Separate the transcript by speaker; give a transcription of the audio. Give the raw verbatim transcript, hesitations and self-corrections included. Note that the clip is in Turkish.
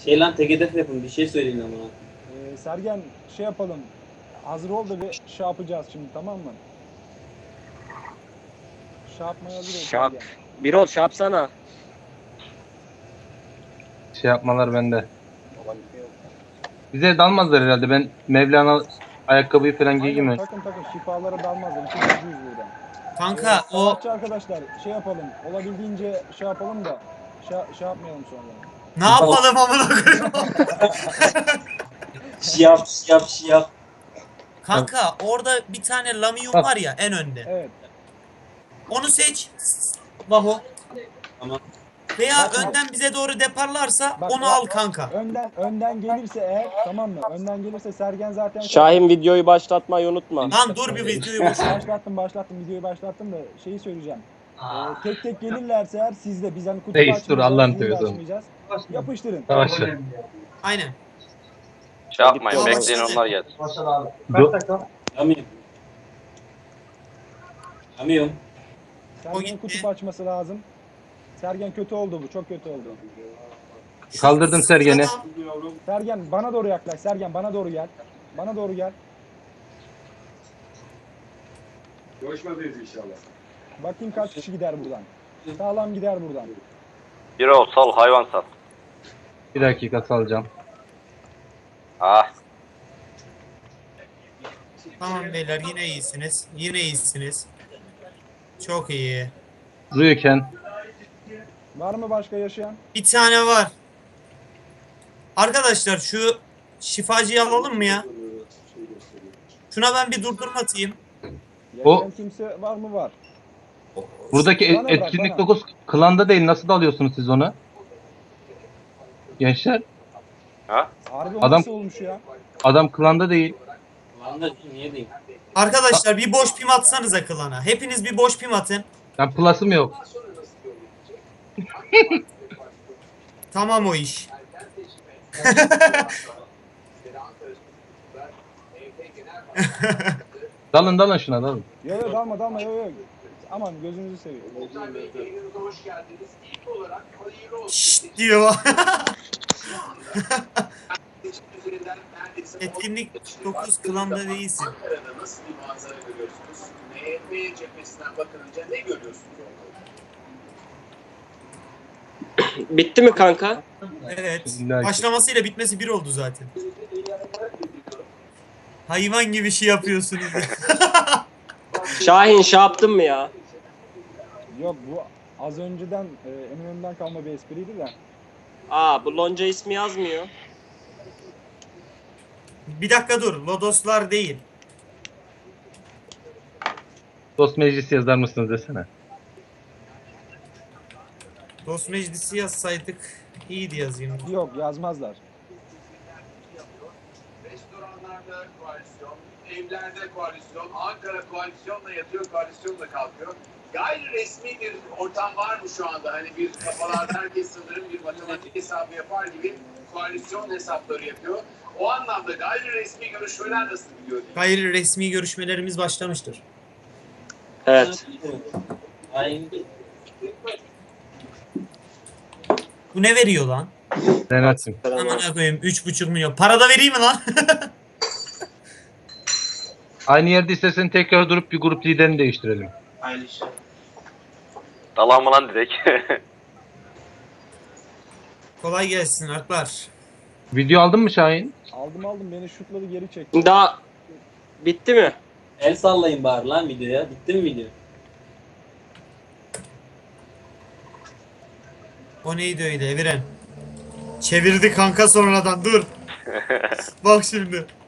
Speaker 1: Şey lan tek hedef yapın bir şey söyleyin ama.
Speaker 2: Ee, Sergen şey yapalım. Hazır ol da bir şey yapacağız şimdi, tamam mı? Şey yapmaya hazır ol
Speaker 3: Şap.
Speaker 2: Sergen.
Speaker 3: Bir ol şapsana.
Speaker 4: Şey yapmalar bende. Bize dalmazlar herhalde. Ben Mevlana ayakkabıyı falan
Speaker 2: Aynen,
Speaker 4: giyeyim.
Speaker 2: takın takın şifalara dalmazlar. İki gücüyüz buradan.
Speaker 5: Kanka
Speaker 2: Ee,
Speaker 5: o
Speaker 2: sanatçı arkadaşlar şey yapalım. Olabildiğince şey yapalım da şey, şey yapmayalım sonra.
Speaker 5: ne yapalım amına koyayım.
Speaker 1: Şiyap şiyap şiyap.
Speaker 5: Kanka orada bir tane Lamium
Speaker 4: Bak.
Speaker 5: var ya en önde.
Speaker 2: Evet.
Speaker 5: Onu seç. Vaho.
Speaker 1: Tamam.
Speaker 5: Veya
Speaker 2: Bak,
Speaker 5: önden bize doğru deparlarsa
Speaker 2: Bak,
Speaker 5: onu
Speaker 2: bak.
Speaker 5: al kanka.
Speaker 2: Önden önden gelirse eğer, tamam mı? Önden gelirse Sergen zaten
Speaker 3: Şahin videoyu başlatmayı unutma.
Speaker 5: Lan dur bir videoyu boş ver.
Speaker 2: başlattım başlattım videoyu başlattım da şeyi söyleyeceğim. Ee, tek tek gelirlerse eğer sizde biz hani kutu
Speaker 4: Reis, dur,
Speaker 2: açmayacağız,
Speaker 4: Allah'ını
Speaker 2: zil de
Speaker 4: seviyorsan.
Speaker 2: açmayacağız. Yapıştırın.
Speaker 4: Savaşı.
Speaker 5: Aynen.
Speaker 6: Şey yapmayın,
Speaker 5: Tamam,
Speaker 6: bekleyin
Speaker 5: başladı.
Speaker 6: onlar gelsin.
Speaker 4: Do-
Speaker 1: Yamıyorum. Yamıyorum.
Speaker 5: O
Speaker 2: Sergen'in
Speaker 5: gitti.
Speaker 2: kutup açması lazım. Sergen kötü oldu bu. Çok kötü oldu.
Speaker 4: Kaldırdım Sergen'i.
Speaker 5: Tamam.
Speaker 2: Sergen bana doğru yaklaş. Sergen bana doğru gel. Bana doğru gel.
Speaker 7: Görüşmedeyiz inşallah.
Speaker 2: Bakayım kaç kişi gider buradan. Sağlam gider buradan.
Speaker 6: Bir ol, sal, hayvan sal.
Speaker 4: Bir dakika salacağım.
Speaker 6: Ah,
Speaker 5: Tamam beyler yine iyisiniz. Yine iyisiniz. Çok iyi.
Speaker 4: Rüyken.
Speaker 2: Var mı başka yaşayan?
Speaker 5: Bir tane var. Arkadaşlar şu şifacıyı alalım mı ya? Şuna ben bir durdurma atayım.
Speaker 4: O-
Speaker 2: Yaşayan kimse var mı? Var.
Speaker 4: Buradaki
Speaker 2: Bana
Speaker 4: et-
Speaker 2: bak,
Speaker 4: etkinlik
Speaker 2: bana.
Speaker 4: dokuz klanda değil. Nasıl dalıyorsunuz siz onu? Gençler.
Speaker 6: ha?
Speaker 2: Harbi o
Speaker 4: Adam-
Speaker 2: nasıl olmuş ya?
Speaker 4: Adam klanda değil.
Speaker 1: Lan da niye diyeyim?
Speaker 5: Arkadaşlar bir boş pim atsanıza klana. Hepiniz bir boş pim atın.
Speaker 4: Ben plus'ım yok.
Speaker 5: Tamam o iş.
Speaker 4: Dalın dalın şuna dalın.
Speaker 2: Yo yo dalma dalma yo yo. Aman gözünüzü seveyim.
Speaker 5: Şşt diyor. Etkinlik dokuz klanda değilsin.
Speaker 7: Ankara'da nasıl bir manzara görüyorsunuz? M H P cephesinden bakınca ne görüyorsunuz?
Speaker 3: Bitti mi kanka?
Speaker 5: Evet.
Speaker 4: İlla ki.
Speaker 5: Başlamasıyla bitmesi bir oldu zaten. Hayvan gibi şey yapıyorsunuz.
Speaker 3: Şahin şey yaptın mı ya?
Speaker 2: Yok bu az önceden e, Eminönü'nden kalma bir espriydi de.
Speaker 3: Aa bu lonca ismi yazmıyor.
Speaker 5: Bir dakika dur. Lodoslar değil.
Speaker 4: Dost meclisi yazar mısınız desene.
Speaker 5: Dost meclisi yazsaydık iyiydi yazayım.
Speaker 2: Yok yazmazlar.
Speaker 7: Restoranlarda koalisyon, evlerde koalisyon, Ankara koalisyonla yatıyor, koalisyonla kalkıyor. Gayri resmi bir ortam var mı şu anda? Hani bir kafalarda herkes sanırım bir matematik hesabı yapar gibi koalisyon hesapları yapıyor. O anlamda gayri resmi görüşmeler nasıl gidiyor?
Speaker 5: Gayri resmi görüşmelerimiz başlamıştır.
Speaker 3: Evet.
Speaker 1: Aynen.
Speaker 5: Bu ne veriyor lan?
Speaker 4: Renat'cığım.
Speaker 5: Aman koyayım üç buçuk milyon. Para da vereyim mi lan?
Speaker 4: Aynı yerde istersen tekrar durup bir grup liderini değiştirelim.
Speaker 6: Dalan mı lan direkt?
Speaker 5: Kolay gelsin Alplar.
Speaker 4: Video aldın mı Şahin?
Speaker 2: Aldım aldım beni şutladı geri çekti.
Speaker 3: Daha bitti mi?
Speaker 1: El sallayın bari lan videoya. Bitti mi video?
Speaker 5: O neydi öyle Eviren? Çevirdi kanka sonradan dur. Bak şimdi.